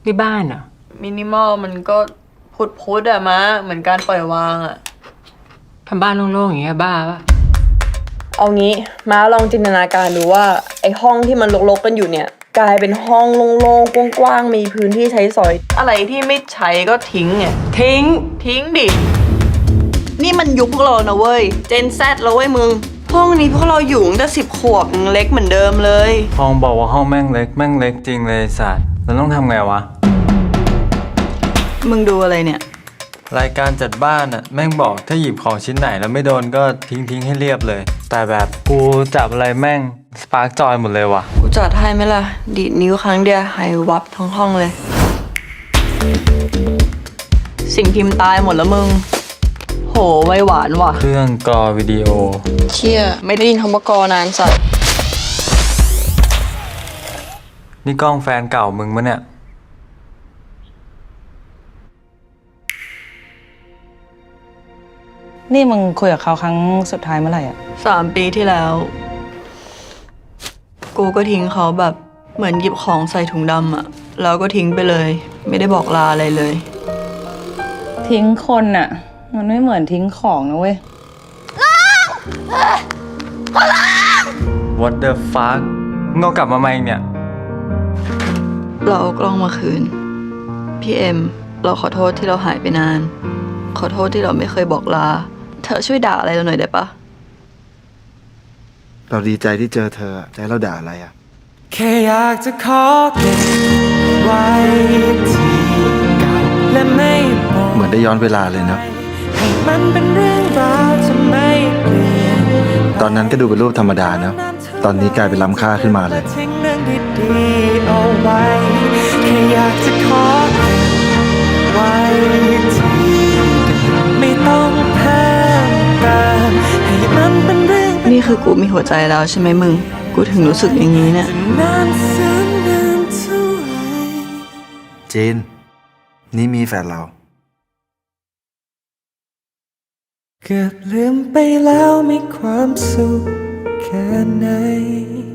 ที่บ้านเหรอมินิมอลมันก็พุดอะมะเหมือนการปล่อยวางอะทำบ้านโล่งๆอย่างเงี้ยบ้าปะเอางี้ม้าลองจินตนาการดูว่าไอห้องที่มันรกๆกันอยู่เนี่ยกลายเป็นห้องโล่งๆกว้างๆมีพื้นที่ใช้สอยอะไรที่ไม่ใช้ก็ทิ้งไงทิ้งดินี่มันยุคพวกเรานะเว้ยเจนแซดแล้วเว้ยมึงห้องนี้พวกเราอยู่ตั้งแต่10 ขวบยังเล็กเหมือนเดิมเลยห้องบอกว่าห้องแม่งเล็กจริงเลยสัตว์เราต้องทำไงวะมึงดูอะไรเนี่ยรายการจัดบ้านอะแม่งบอกถ้าหยิบของชิ้นไหนแล้วไม่โดนก็ทิ้งให้เรียบเลย แต่แบบกูจับอะไรแม่งสปาร์กจอยหมดเลยว่ะกูจัดให้ไหมล่ะดีดนิ้วครั้งเดียวหายวับทั้งห้องเลย สิ่งพิมพ์ตายหมดแล้วมึงโหไวหวานว่ะเครื่องกรอวิดีโอเชี่ยไม่ได้ยินคำว่ากอนานสัตว์นี่กล้องแฟนเก่ามึงมะเนี่ยนี่มึงคุยกับเขาครั้งสุดท้ายเมื่อไหร่อ่ะ 3 ปีที่แล้ว กูก็ทิ้งเขาแบบเหมือนหยิบของใส่ถุงดำอะแล้วก็ทิ้งไปเลย ไม่ได้บอกลาอะไรเลยทิ้งคนอ่ะ มันไม่เหมือนทิ้งของนะเว้ย What the fuck มึงเอากลับมาไหมเนี่ยเราเอากล้องมาคืน พี่เอ็มเราขอโทษที่เราหายไปนาน ขอโทษที่เราไม่เคยบอกลา เธอช่วยด่าอะไรเราหน่อยได้ปะเราดีใจที่เจอเธอใจเราด่าอะไรอ่ะแค่อยากจะขอเก็บไว้ที่เก่าและไม่บอกเหมือนได้ย้อนเวลาเลยเนาะให้มันเป็นเรื่องราวจะไม่เปลี่ยนตอนนั้นก็ดูเป็นรูปธรรมดาเนาะตอนนี้กลายเป็นล้ำค่าขึ้นมาเลยทิ้งเรื่องดีๆเอาไว้แค่อยากจะขอเก็บไว้ที่ไม่ต้องเพิ่มเติมให้มันเป็นเรื่องนี่คือกูมีหัวใจแล้วใช่ไหมมึงกูถึงรู้สึกอย่างนี้เนี่ยนานแสนนานเท่าไหร่เจนนี่มีแฟนเราเกือบลืมไปแล้วมีความสุขแค่ไหน